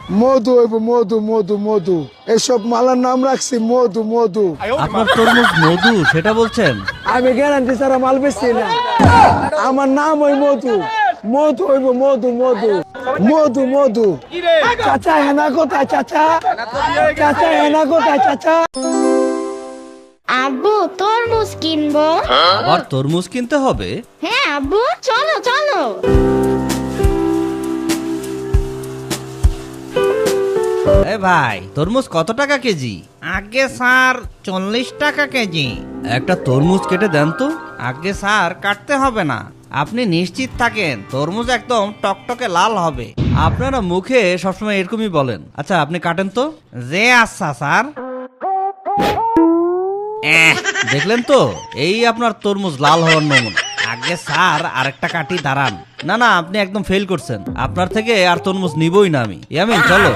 মধু হইব মধু মধু মধু, এসব মালার নাম রাখছি মধু মধু। আপনার তরমুজ মধু সেটা বলছেন? আমি গ্যারান্টি ছাড়া মাল বেচছি না, আমার নাম ওই মধু। মধু হইব মধু মধু মধু মধু। চাচা হেনা কোথায় চাচা? চাচা হেনা কোথায় চাচা? আব্বু তরমুজ কিনবো। আবার তরমুজ কিনতে হবে? হ্যাঁ আব্বু, চলো চলো। এ ভাই, তরমুজ কত টাকা কেজি? আগে স্যার 40 টাকা কেজি। একটা তরমুজ কেটে দেন তো। আগে স্যার কাটতে হবে না, আপনি নিশ্চিত থাকেন তরমুজ একদম টকটকে লাল হবে। আপনারা মুখে সবসময় এরকমই বলেন। আচ্ছা আপনি কাটেন তো। যে আচ্ছা স্যার। দেখলেন তো, এই আপনার তরমুজ লাল হওয়ার নমুনা। আগে স্যার আরেকটা কাটি, দাঁড়ান। না না, আপনি একদম ফেল করছেন। আপনার থেকে আর তরমুজ নিবই না আমি। ইয়ামিন চলো।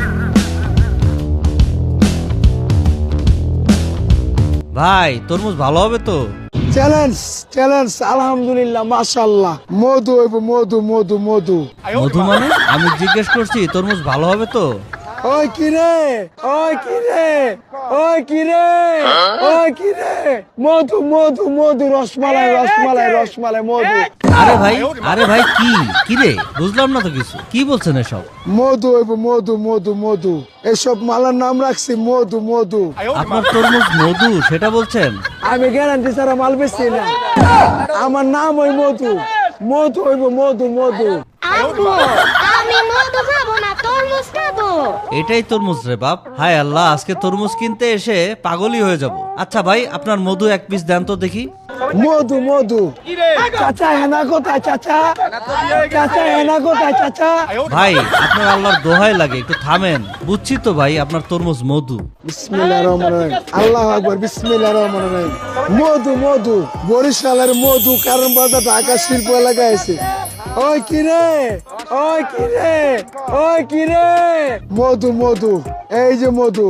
ভাই তরমুজ ভালো হবে তো? চ্যালেঞ্জ চ্যালেঞ্জ, আলহামদুলিল্লাহ মাশাআল্লাহ। মধু হইব মধু মধু মধু। মধু মানে? আমি জিজ্ঞেস করছি তরমুজ ভালো হবে তো? ওই কিরে, ওই কিরে, ওই কিরে, ওই কিরে, মধু মধু মধু, রসমালাই রসমালাই রসমালাই মধু। আরে ভাই কি রে, বুঝলাম না তো কিছু। কি বলছেন এসব? মধু হইব মধু মধু মধু, এসব মালার নাম রাখছি মধু মধু। আপনার তরমুজ মধু সেটা বলছেন? আমি গ্যারান্টি ছাড়া মাল বেচছি না, আমার নাম ওই মধু। মধু হইব মধু মধু। আব্বু আমি মধু খাবো না, তরমুজ খাবো। এটাই তরমুজ রে বাপ। হায় আল্লাহ, আজকে তরমুজ কিনতে এসে পাগলই হয়ে যাব। আচ্ছা ভাই, আপনার মধু এক পিস দেন তো দেখি। মধু মধু। চাচা হেনা কোথায় চাচা? চাচা হেনা কোথায় চাচা? ভাই আপনার আল্লাহর দোহাই লাগে, একটু থামেন। বুঝছি তো ভাই, আপনার তরমুজ মধু। বিসমিল্লাহির রহমানির রহিম, আল্লাহু আকবার, বিসমিল্লাহির রহমানির রহিম। মধু মধু, বরিশালের মধু কারণ বাজার ঢাকা শিল্প এলাকায় আছে। ওই কিরে, ওই কিরে, ওই কিরে, মধু মধু, এই যে মধু।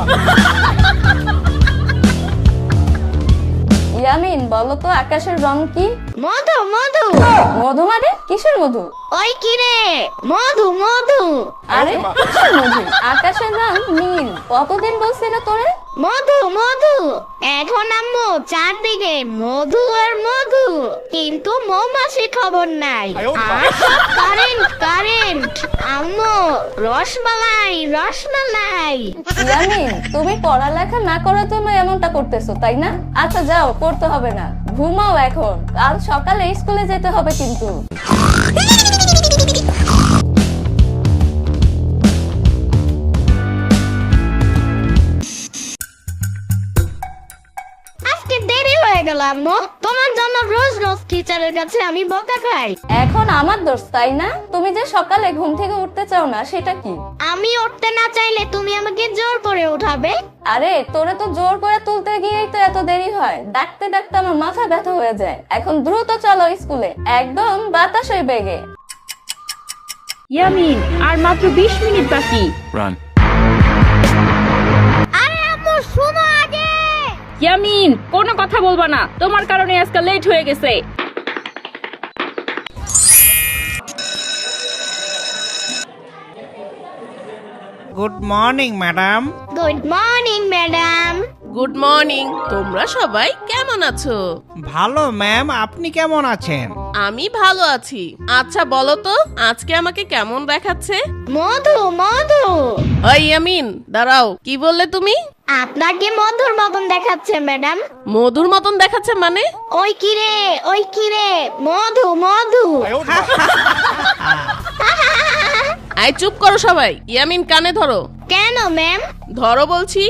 ইয়ামিন বলো তো আকাশের রং কি? মধু মধু। মধু মানে কিসের মধু? ওই কিরে, মধু মধু। আরে কিসের মধু? আকাশের রং নীল। কতদিন বলছি না তোরে? মধু মধু। এখন আম্মু চারদিকে মধু আর মধু, কিন্তু মৌমাছি খবর নাই। আর সব কারেন্ট কারেন্ট। আম্মু রসমালাই রসমালাই। ইয়ামিন তুমি পড়ালেখা না করার জন্য এমনটা করতেছো তাই না? আচ্ছা যাও, পড়তে হবে না, ঘুমাও এখন। কাল সকালে স্কুলে যেতে হবে কিন্তু। আজকে দেরি হয়ে গেল আম্মু, তোমার জন্য রোজ রোজ টিচারের কাছে আমি বকা খাই। এখন আমার দোষ তাই না? তুমি যে সকালে ঘুম থেকে উঠতে চাও না সেটা কি? আমি উঠতে না চাইলে তুমি আমাকে জোর করে উঠাবে। আরে তোরে তো জোর করে তুলতে গিয়েই তো এত দেরি হয়। ডাকতে ডাকতে আমার মাথা ব্যথা হয়ে যায়। এখন দ্রুত চলো স্কুলে, একদম বাতাসের বেগে। ইয়ামিন আর মাত্র 20 মিনিট বাকি। আরে আম্মু শোনো আগে। ইয়ামিন কোনো কথা বলবা না, তোমার কারণে আজকে লেট হয়ে গেছে। Good morning madam. Good morning madam. Good morning. তোমরা সবাই কেমন আছো? ভালো ম্যাম, আপনি কেমন আছেন? আমি ভালো আছি। আচ্ছা বলো তো আজকে আমাকে কেমন দেখাচ্ছে? মধু মধু। ওই ইয়ামিন দাঁড়াও, কি বললে তুমি? আপনাকে মধুর মতন দেখাচ্ছে ম্যাডাম। মধুর মতন দেখাচ্ছে মানে? ওই কিরে, ওই কিরে, মধু মধু। আই চুপ করো সবাই। ইয়ামিন কানে ধরো। কেন ম্যাম? ধরো বলছি।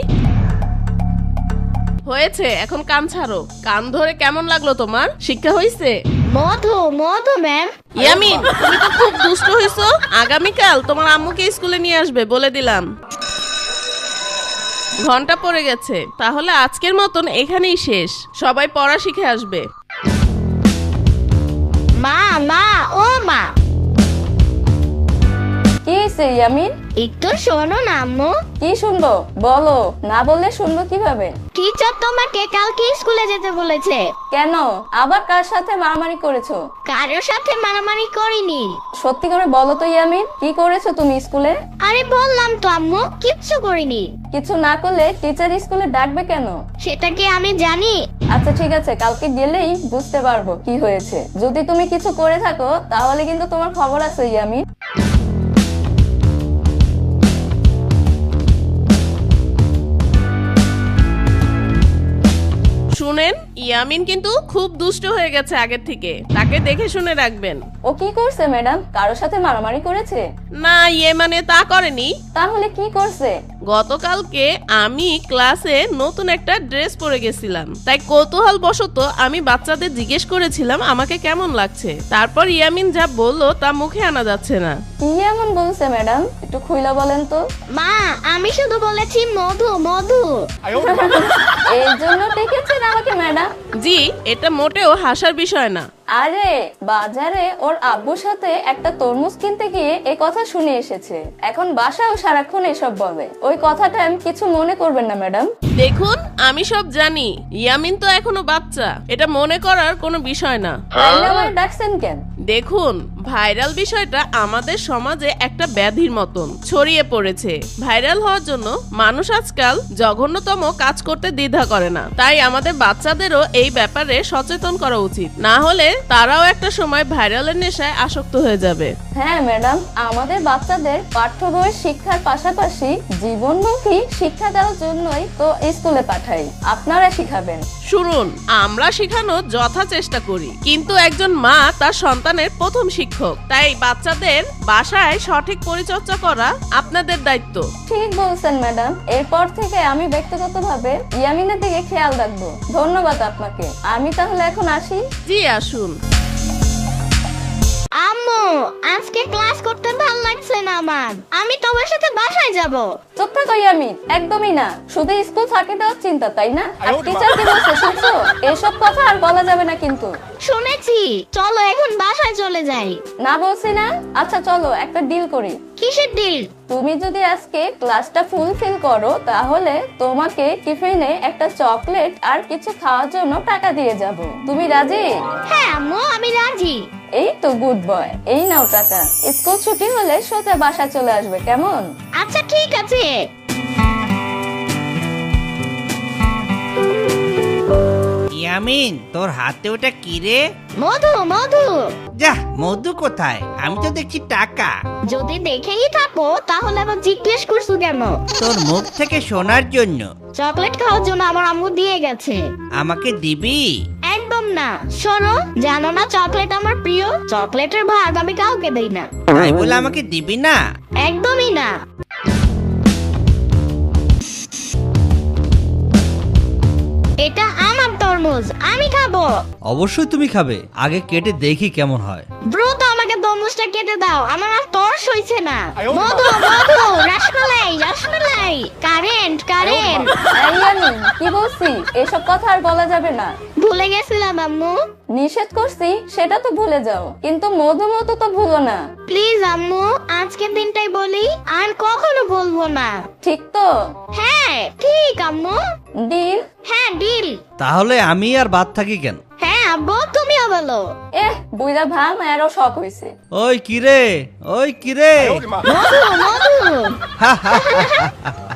হয়েছে, এখন কান ছাড়ো। কান ধরে কেমন লাগলো তোমার? শিক্ষা হইছে? মধু মধু ম্যাম। ইয়ামিন তুমি তো খুব দুষ্ট হইছো। আগামীকাল তোমার আম্মুকে স্কুলে নিয়ে আসবে বলে দিলাম। ঘন্টা পড়ে গেছে, তাহলে আজকের মতন এখানেই শেষ। সবাই পড়া শিখে আসবে। মা মা ও মা। কি হয়েছে ইয়ামিন? একটু শোনো না আম্মু। কি শুনবো বলো, না বললে শুনবো কিভাবে? টিচার তোমাকে কালকে স্কুলে যেতে বলেছে। কেন, আবার কার সাথে মারামারি করেছো? কারোর সাথে মারামারি করিনি। সত্যি করে বলো তো ইয়ামিন, কি করেছো তুমি স্কুলে? আরে বললাম তো আম্মু, কিচ্ছু করিনি। কিছু না করলে টিচার স্কুলে ডাকবে কেন? সেটা কি আমি জানি? আচ্ছা ঠিক আছে, কালকে গেলেই বুঝতে পারবো কি হয়েছে। যদি তুমি কিছু করে থাকো তাহলে কিন্তু তোমার খবর আছে ইয়ামিন। শুনেন, ইয়ামিন কিন্তু খুব দুষ্ট হয়ে গেছে আগের থেকে, তাকে দেখে শুনে রাখবেন। ও কি করছে ম্যাডাম? কারোর সাথে মারামারি করেছে? না, ইয়ে মানে তা করেনি। তাহলে কি করছে? গতকালকে আমি ক্লাসে নতুন একটা ড্রেস পরে গেছিলাম, তাই কৌতূহল বশত আমি বাচ্চাদের জিজ্ঞেস করেছিলাম আমাকে কেমন লাগছে। তারপর ইয়ামিন যা বললো তা মুখে আনা যাচ্ছে না। কি এমন বলছে ম্যাডাম, একটু খুইলা বলেন তো। মা, আমি শুধু বলেছি মধু মধু। এই জন্য ডেকেছেন আমাকে ম্যাডাম? জি, এটা মোটেও হাসার বিষয় না। আরে বাজারে ওর আব্বুর সাথে একটা তরমুজ কিনতে গিয়ে এই কথা শুনে এসেছে, এখন বাসাও সারাক্ষণ এসব বলে। ওই কথাটা আমি কিছু মনে করবেন না ম্যাডাম। দেখুন, আমি সব জানি, ইয়ামিন তো এখনো বাচ্চা, এটা মনে করার কোনো বিষয় না। তাইলে আমার ডাকছেন কেন? দেখুন, ভাইরাল বিষয়টা আমাদের সমাজে একটা ব্যাধির মতন ছড়িয়ে পড়েছে। ভাইরাল হওয়ার জন্য মানুষ আজকাল জঘন্যতম কাজ করতে দ্বিধা করে না, তাই আমাদের বাচ্চাদেরও এই ব্যাপারে সচেতন করা উচিত, না হলে তারাও একটা সময় ভাইরালের নেশায় আসক্ত হয়ে যাবে। হ্যাঁ ম্যাডাম, আমাদের বাচ্চাদের পাঠ্য বইয়ের শিক্ষার পাশাপাশি জীবনমুখী শিক্ষা দেওয়ার জন্যই তো স্কুলে পাঠাই। আপনারা শিখাবেন। শুনুন, আমরা শেখানোর যথা চেষ্টা করি, কিন্তু একজন মা তার সন্তানের প্রথম শিক্ষক, তাই বাচ্চাদের বাসায় সঠিক পরিচর্যা করা আপনাদের দায়িত্ব। ঠিক বলছেন ম্যাডাম, এরপর থেকে আমি ব্যক্তিগতভাবে ইয়ামিনের দিকে খেয়াল রাখবো। ধন্যবাদ আপনাকে। আমি তাহলে এখন আসি। জি, আসুন। আম্মু, আজকে ক্লাস করতে ভালো লাগছে না আমার। আমি তোমার সাথে বাসায় যাব। চুপ থাকো ইয়ামিন, একদমই না। শুধু স্কুল ফাঁকি দেওয়ার চিন্তা, তাই না? আর টিচার কি বলছে শুনছো? এসব কথা আর বলা যাবে না কিন্তু। শুনেছি, চলো এখন বাসায় চলে যাই। না বলছি না? আচ্ছা চলো একটা ডিল করি। কিসের ডিল? তুমি যদি আজকে ক্লাসটা ফুলফিল করো তাহলে তোমাকে টিফিনে একটা চকলেট আর কিছু খাওয়ার জন্য টাকা দিয়ে যাব। তুমি রাজি? হ্যাঁ আম্মু, আমি রাজি। এই তো গুড বয়, এই নাও টাকা। স্কুল ছুটি হলে সোজা বাসায় চলে আসবে, কেমন? আচ্ছা ঠিক আছে। ইয়ামিন, তোর হাতে ওটা কি রে? মধু মধু। যা, মধু কোথায়? আমি তো দেখছি টাকা। যদি দেখেই থাকো তাহলে আবার জিজ্ঞেস করছো কেন? তোর মুখ থেকে শোনার জন্য। চকলেট খাওয়ার জন্য আমার আম্মু দিয়ে গেছে। আমাকে দিবি? একদম না। শোনো, জানো না চকলেট আমার প্রিয়? চকলেটের ভাগ আমি কাউকে দেই না। তাই বলে আমাকে দিবি না? একদমই না। এটা আমার তরমুজ, আমি খাবো। অবশ্যই তুমি খাবে, আগে কেটে দেখি কেমন হয়। দ্রুত আমাকে তরমুজটা কেটে দাও, আমার আর তরস হইছে না। মধু মধু, রসমালাই রসমালাই, কারেন্ট কারেন্ট। এই ইয়ামিন, কি বলছি? এসব কথা আর বলা যাবে না। ভুলে গেছিলাম আম্মু। নিষেধ করছি সেটা তো ভুলে যাও, কিন্তু মধু মতো তো ভুলো না। প্লিজ আম্মু, আজকের দিনটাই বলি, আর কখনো বলবো না। ঠিক তো? হ্যাঁ ঠিক আম্মু। ডিল? হ্যাঁ ডিল। তাহলে আমি আর বাদ থাকি কেন? হ্যাঁ আব্বু, তুমিও বলো। বুইরা ভাম আরো শখ হইছে। ওই কিরে, ওই কিরে। মধু মধু।